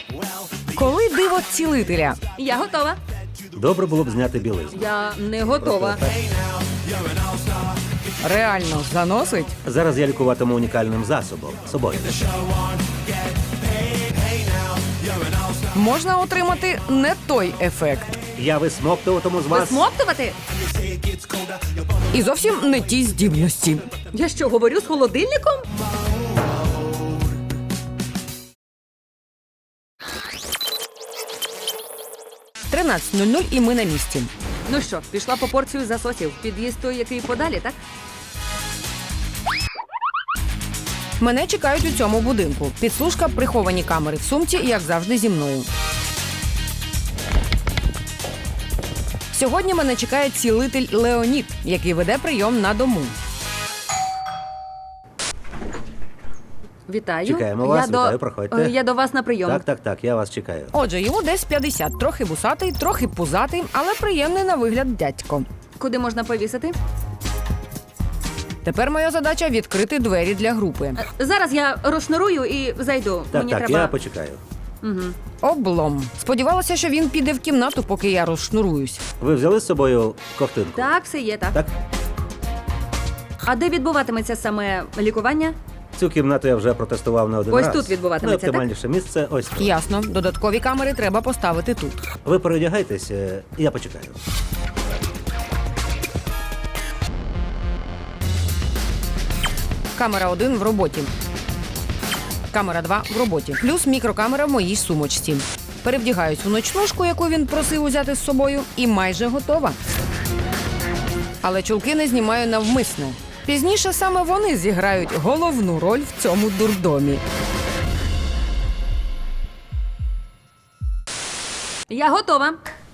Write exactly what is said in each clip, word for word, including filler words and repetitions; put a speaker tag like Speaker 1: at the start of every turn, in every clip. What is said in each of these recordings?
Speaker 1: Коли диво цілителя?
Speaker 2: Я готова.
Speaker 3: Добре було б зняти білизну.
Speaker 2: Я не готова.
Speaker 1: Реально заносить?
Speaker 3: Зараз я лікуватиму унікальним засобом собою.
Speaker 1: Можна отримати не той ефект.
Speaker 3: Я висмоктуватиму з вас.
Speaker 2: Висмоктувати?
Speaker 1: І зовсім не ті здібності.
Speaker 2: Я що, говорю з холодильником?
Speaker 1: тринадцята нуль нуль і ми на місці.
Speaker 2: Ну що, пішла по порцію засосів. Під'їзд той, який подалі, так?
Speaker 1: Мене чекають у цьому будинку. Підслужка, приховані камери в сумці, як завжди, зі мною. Сьогодні мене чекає цілитель Леонід, який веде прийом на дому.
Speaker 2: Вітаю.
Speaker 3: Чекаємо вас,
Speaker 2: я
Speaker 3: вітаю,
Speaker 2: до...
Speaker 3: проходьте.
Speaker 2: Е, Я до вас на прийом.
Speaker 3: Так, так, так, я вас чекаю.
Speaker 1: Отже, йому десь п'ятдесят. Трохи вусатий, трохи пузатий, але приємний на вигляд дядько.
Speaker 2: Куди можна повісити?
Speaker 1: Тепер моя задача – відкрити двері для групи.
Speaker 2: Е, Зараз я розшнурую і зайду.
Speaker 3: Так,
Speaker 2: Мені
Speaker 3: так,
Speaker 2: треба...
Speaker 3: я почекаю.
Speaker 1: Облом. Сподівалася, що він піде в кімнату, поки я розшнуруюсь.
Speaker 3: Ви взяли з собою ковтинку?
Speaker 2: Так, все є, так.
Speaker 3: Так?
Speaker 2: А де відбуватиметься саме лікування?
Speaker 3: Цю кімнату я вже протестував не один
Speaker 2: Ось
Speaker 3: раз.
Speaker 2: тут відбуватиметься,
Speaker 3: Найоптимальніше місце ось тут.
Speaker 1: Ясно. Додаткові камери треба поставити тут.
Speaker 3: Ви переодягайтесь, е, я почекаю.
Speaker 1: Камера один в роботі. Камера два в роботі. Плюс мікрокамера в моїй сумочці. Перевдягаюсь у ночнушку, яку він просив узяти з собою, і майже готова. Але чулки не знімаю навмисне. Пізніше саме вони зіграють головну роль в цьому дурдомі.
Speaker 2: Я готова.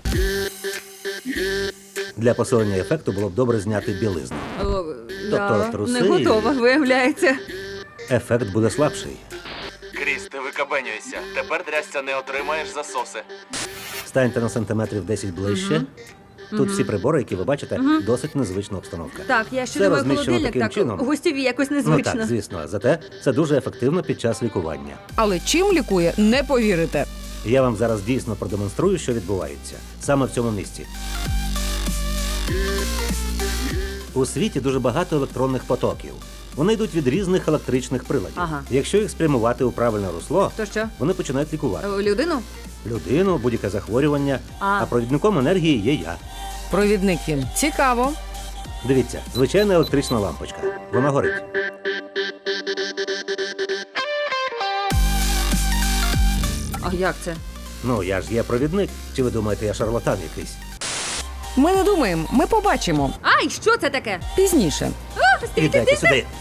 Speaker 3: Для посилення ефекту було б добре зняти білизну.
Speaker 2: О,
Speaker 3: Тобто
Speaker 2: я
Speaker 3: труси
Speaker 2: не готова,
Speaker 3: і-
Speaker 2: виявляється.
Speaker 3: Ефект буде слабший.
Speaker 4: Кріс, ти викабенюєшся. Тепер дрясця не отримаєш засоси.
Speaker 3: Станьте на сантиметрів десять ближче. Тут всі прибори, які ви бачите, досить незвична обстановка.
Speaker 2: Так, я ще
Speaker 3: Це
Speaker 2: думаю,
Speaker 3: розміщено
Speaker 2: холодильник
Speaker 3: таким
Speaker 2: так
Speaker 3: чином.
Speaker 2: гостєві якось
Speaker 3: Ну
Speaker 2: незвично.
Speaker 3: так, звісно. Зате це дуже ефективно під час лікування.
Speaker 1: Але чим лікує, не повірите.
Speaker 3: Я вам зараз дійсно продемонструю, що відбувається саме в цьому місці. У світі дуже багато електронних потоків. Вони йдуть від різних електричних приладів.
Speaker 2: Ага.
Speaker 3: Якщо їх спрямувати у правильне русло,
Speaker 2: То що?
Speaker 3: вони починають лікувати
Speaker 2: Е, Людину?
Speaker 3: людину, будь-яке захворювання.
Speaker 2: А.
Speaker 3: А провідником енергії є я.
Speaker 1: Провідник він. Цікаво.
Speaker 3: Дивіться, звичайна електрична лампочка. Вона горить.
Speaker 2: А як це?
Speaker 3: Ну, я ж є провідник. Чи ви думаєте, я шарлатан якийсь?
Speaker 1: Ми не думаємо, ми побачимо.
Speaker 2: Ай, що це таке?
Speaker 1: Пізніше.
Speaker 2: А, стійте,
Speaker 3: Ідете
Speaker 2: стійте.
Speaker 3: сюди.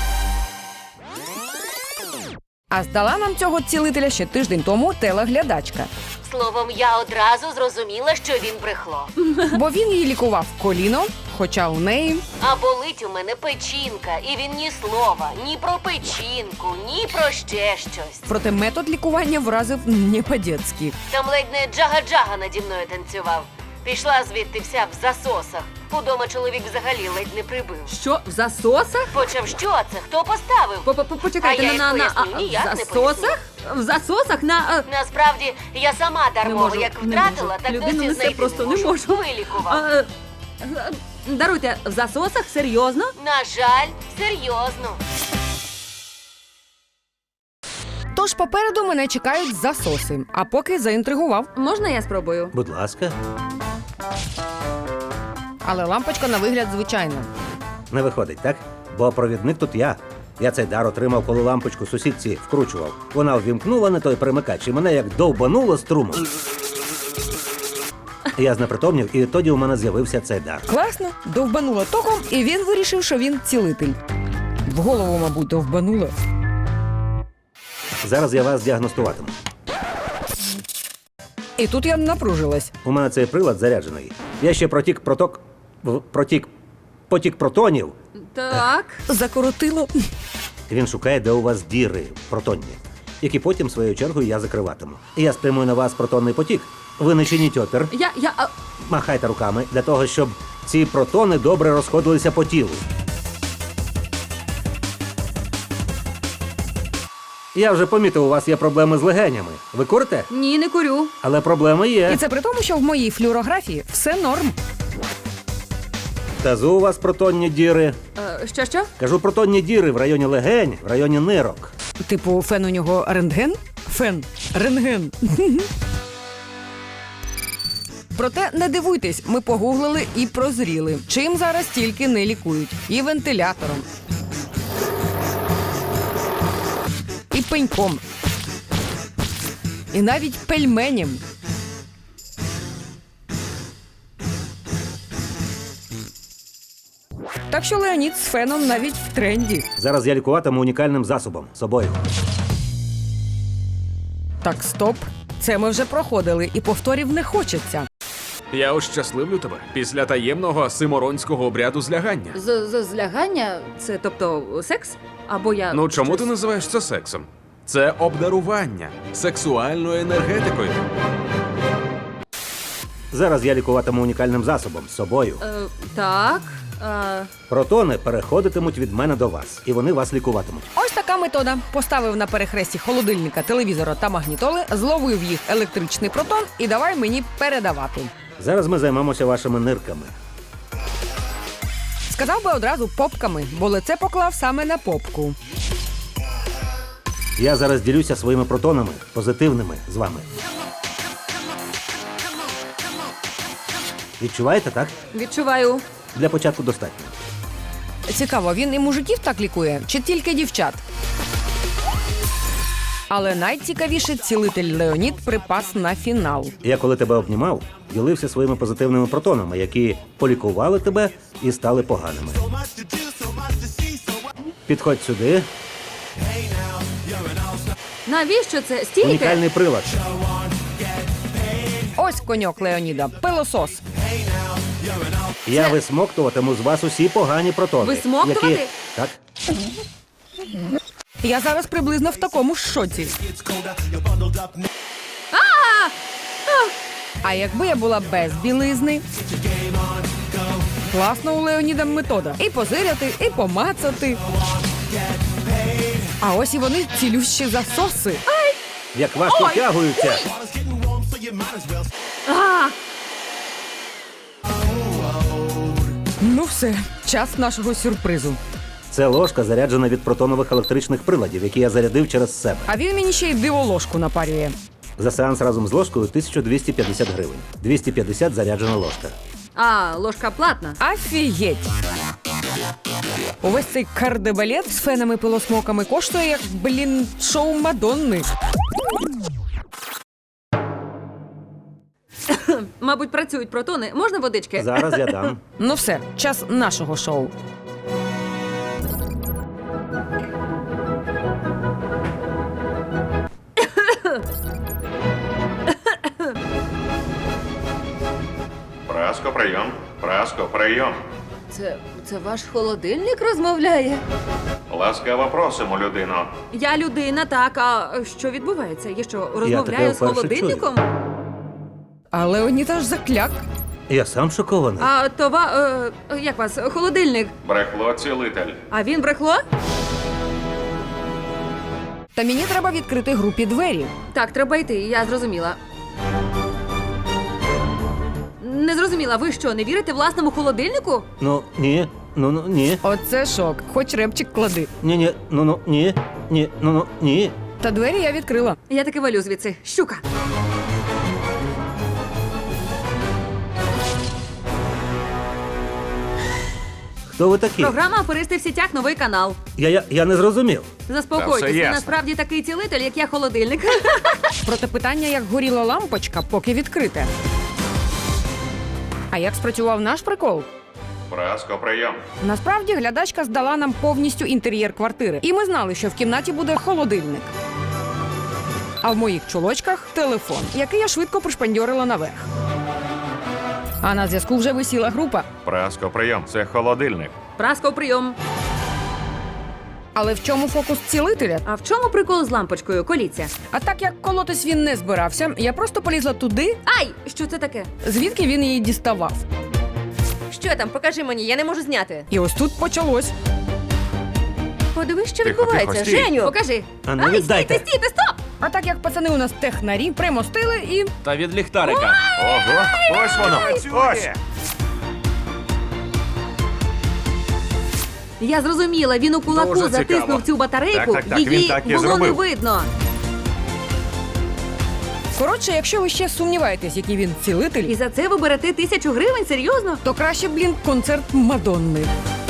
Speaker 1: А здала нам цього цілителя ще тиждень тому телеглядачка.
Speaker 5: Словом, я одразу зрозуміла, що він брехло.
Speaker 1: Бо він їй лікував коліно, хоча у неї...
Speaker 5: А болить у мене печінка, і він ні слова, ні про печінку, ні про ще щось.
Speaker 1: Проте метод лікування вразив не по-дєцьки.
Speaker 5: Там ледь не джага-джага наді мною танцював. Пішла звідти вся в засосах. Удома чоловік взагалі ледь не прибив.
Speaker 2: Що, в засосах?
Speaker 5: Почав, що це? Хто поставив?
Speaker 2: По-по- Почекайте,
Speaker 5: А я
Speaker 2: на,
Speaker 5: їй
Speaker 2: на, на
Speaker 5: поясню,
Speaker 2: а,
Speaker 5: ніяк
Speaker 2: в
Speaker 5: не
Speaker 2: засосах? В засосах на... а,
Speaker 5: Насправді, я сама
Speaker 2: не
Speaker 5: дармово,
Speaker 2: можу,
Speaker 5: як
Speaker 2: не
Speaker 5: втратила,
Speaker 2: можу.
Speaker 5: так
Speaker 2: Людину
Speaker 5: досі
Speaker 2: несе
Speaker 5: знайти
Speaker 2: просто
Speaker 5: не
Speaker 2: не
Speaker 5: можу.
Speaker 2: можу.
Speaker 5: Вилікував.
Speaker 2: А, е, е, даруйте, в засосах? Серйозно?
Speaker 5: На жаль, серйозно.
Speaker 1: Тож попереду мене чекають засоси, а поки заінтригував.
Speaker 2: Можна я спробую?
Speaker 3: Будь ласка,
Speaker 1: Але лампочка на вигляд звичайна.
Speaker 3: не виходить, так? Бо провідник тут я. Я цей дар отримав, коли лампочку сусідці вкручував. Вона ввімкнула не той перемикач, і мене як довбануло струмом. Я знепритомнів, і тоді у мене з'явився цей дар.
Speaker 1: Класно, довбанула током, і він вирішив, що він цілитель. В голову, мабуть, довбанула.
Speaker 3: Зараз я вас діагностуватиму.
Speaker 1: І тут я напружилась.
Speaker 3: У мене цей прилад заряджений. Я ще протік проток... в- протік... потік протонів.
Speaker 2: Так.
Speaker 1: Закоротило.
Speaker 3: Він шукає, де у вас діри протонні, які потім, своєю чергою, я закриватиму. Я спрямую на вас протонний потік. Ви не чиніть опір,
Speaker 2: Я, я, а,
Speaker 3: махайте руками для того, щоб ці протони добре розходилися по тілу. Я вже помітив, у вас є проблеми з легенями. Ви курите?
Speaker 2: Ні, не курю.
Speaker 3: Але проблеми є.
Speaker 1: І це при тому, що в моїй флюорографії все норм.
Speaker 3: Тазу у вас протонні діри.
Speaker 2: Е, що що?
Speaker 3: Кажу, протонні діри в районі легень, в районі нирок.
Speaker 1: Типу, фен у нього рентген? Фен. Рентген. Проте не дивуйтесь, ми погуглили і прозріли. Чим зараз тільки не лікують. І вентилятором. І пеньком. І навіть пельменем. Так що Леонід з феном навіть в тренді.
Speaker 3: Зараз я лікуватиму унікальним засобом собою.
Speaker 1: Так, стоп. Це ми вже проходили, і повторів не хочеться.
Speaker 6: Я ощасливлю тебе після таємного симоронського обряду злягання.
Speaker 2: З, з злягання? Це тобто секс? Або я.
Speaker 6: Ну чому
Speaker 2: щось-
Speaker 6: ти називаєш це сексом? Це обдарування сексуальною енергетикою.
Speaker 3: Зараз я лікуватиму унікальним засобом собою.
Speaker 2: Е, так. Е,
Speaker 3: Протони переходитимуть від мене до вас, і вони вас лікуватимуть.
Speaker 1: Ось така метода. Поставив на перехресті холодильника, телевізора та магнітоли, зловив їх електричний протон і давай мені передавати.
Speaker 3: Зараз ми займемося вашими нирками.
Speaker 1: Сказав би одразу попками, бо лице поклав саме на попку.
Speaker 3: Я зараз ділюся своїми протонами, позитивними, з вами. Відчуваєте, так?
Speaker 2: відчуваю.
Speaker 3: Для початку достатньо.
Speaker 1: Цікаво, він і мужиків так лікує, чи тільки дівчат? Але найцікавіше цілитель Леонід припас на фінал.
Speaker 3: Я коли тебе обнімав, ділився своїми позитивними протонами, які полікували тебе і стали поганими. Підходь сюди.
Speaker 2: Навіщо це? Стійте!
Speaker 3: Унікальний прилад.
Speaker 1: Ось коньок Леоніда, пилосос.
Speaker 3: Я висмоктуватиму з вас усі погані протони.
Speaker 2: Висмоктувати?
Speaker 3: Які... Так.
Speaker 1: Я зараз приблизно в такому ж шоці. А якби я була без білизни? Класно у Леоніда метода. І позиряти, і помацати. А ось і вони цілющі засоси.
Speaker 3: Як важко втягуються.
Speaker 2: А,
Speaker 1: Ну все, час нашого сюрпризу.
Speaker 3: Це ложка заряджена від протонових електричних приладів, які я зарядив через себе.
Speaker 1: А він мені ще й диволожку напарює.
Speaker 3: За сеанс разом з ложкою тисяча двісті п'ятдесят гривень. двісті п'ятдесят заряджена ложка.
Speaker 2: а, ложка платна.
Speaker 1: Офігеть! Увесь цей кардебалет з фенами-пилосмоками коштує як, блін, шоу Мадонни.
Speaker 2: Мабуть, працюють протони. Можна водички?
Speaker 3: Зараз я дам.
Speaker 1: Ну все, час нашого шоу.
Speaker 7: Праско, прийом. Праско, прийом.
Speaker 2: Це, це ваш холодильник розмовляє?
Speaker 7: Ласкаво просимо, людино.
Speaker 2: Я людина, так. А що відбувається? Я що,
Speaker 3: таке
Speaker 2: розмовляю з
Speaker 3: вперше
Speaker 2: холодильником?
Speaker 1: А Леонід аж закляк.
Speaker 3: Я сам шокований.
Speaker 2: А това. Е, як вас? Холодильник.
Speaker 7: Брехло цілитель.
Speaker 2: А він брехло?
Speaker 1: Та мені треба відкрити групі двері.
Speaker 2: Так, треба йти, я зрозуміла. Не зрозуміла, ви що, не вірите власному холодильнику?
Speaker 3: Ну, ні. Ну, ну, ні.
Speaker 1: Оце шок. Хоч репчик клади.
Speaker 3: Ні, ні. Ну, ну, ні. Ні. Ну, ну, ні.
Speaker 1: Та двері я відкрила.
Speaker 2: Я таки валю звідси. Щука.
Speaker 3: Хто ви такі?
Speaker 2: Програма «Аферисти в сітях», новий канал.
Speaker 3: Я, я, я не зрозумів.
Speaker 6: Та
Speaker 2: Заспокойтесь,
Speaker 6: все
Speaker 2: ви
Speaker 6: ясно.
Speaker 2: насправді такий цілитель, як я холодильник.
Speaker 1: Проте питання, як горіла лампочка, поки відкрите. А як спрацював наш прикол?
Speaker 7: Праско, прийом.
Speaker 1: Насправді глядачка здала нам повністю інтер'єр квартири. І ми знали, що в кімнаті буде холодильник. А в моїх чулочках телефон, який я швидко пришпандьорила наверх. А на зв'язку вже висіла група.
Speaker 7: Праско, прийом. Це холодильник.
Speaker 2: Праско, прийом.
Speaker 1: Але в чому фокус цілителя?
Speaker 2: А в чому прикол з лампочкою? Коліться.
Speaker 1: А так як колотись він не збирався, я просто полізла туди,
Speaker 2: Ай! Що це таке?
Speaker 1: звідки він її діставав.
Speaker 5: Що там? Покажи мені, я не можу зняти.
Speaker 1: І ось тут почалось.
Speaker 2: Подивись, що
Speaker 7: Тихо,
Speaker 2: відбувається.
Speaker 7: тихо, стій.
Speaker 2: Женю, покажи.
Speaker 3: А ну
Speaker 2: Ай,
Speaker 3: віддайте.
Speaker 2: стійте, стійте, стоп!
Speaker 1: А так як пацани у нас технарі, примостили і
Speaker 6: Та від ліхтарика.
Speaker 7: Ого, ось воно. Ось.
Speaker 2: Я зрозуміла, він у кулаку
Speaker 7: Дуже
Speaker 2: затиснув
Speaker 7: цікаво.
Speaker 2: цю батарейку,
Speaker 7: Так, так, так,
Speaker 2: її
Speaker 7: він так і
Speaker 2: було не
Speaker 7: зробив.
Speaker 2: видно.
Speaker 1: коротше, якщо ви ще сумніваєтесь, який він цілитель,
Speaker 2: І за це ви берете тисячу гривень? Серйозно?
Speaker 1: то краще, блін, концерт Мадонни.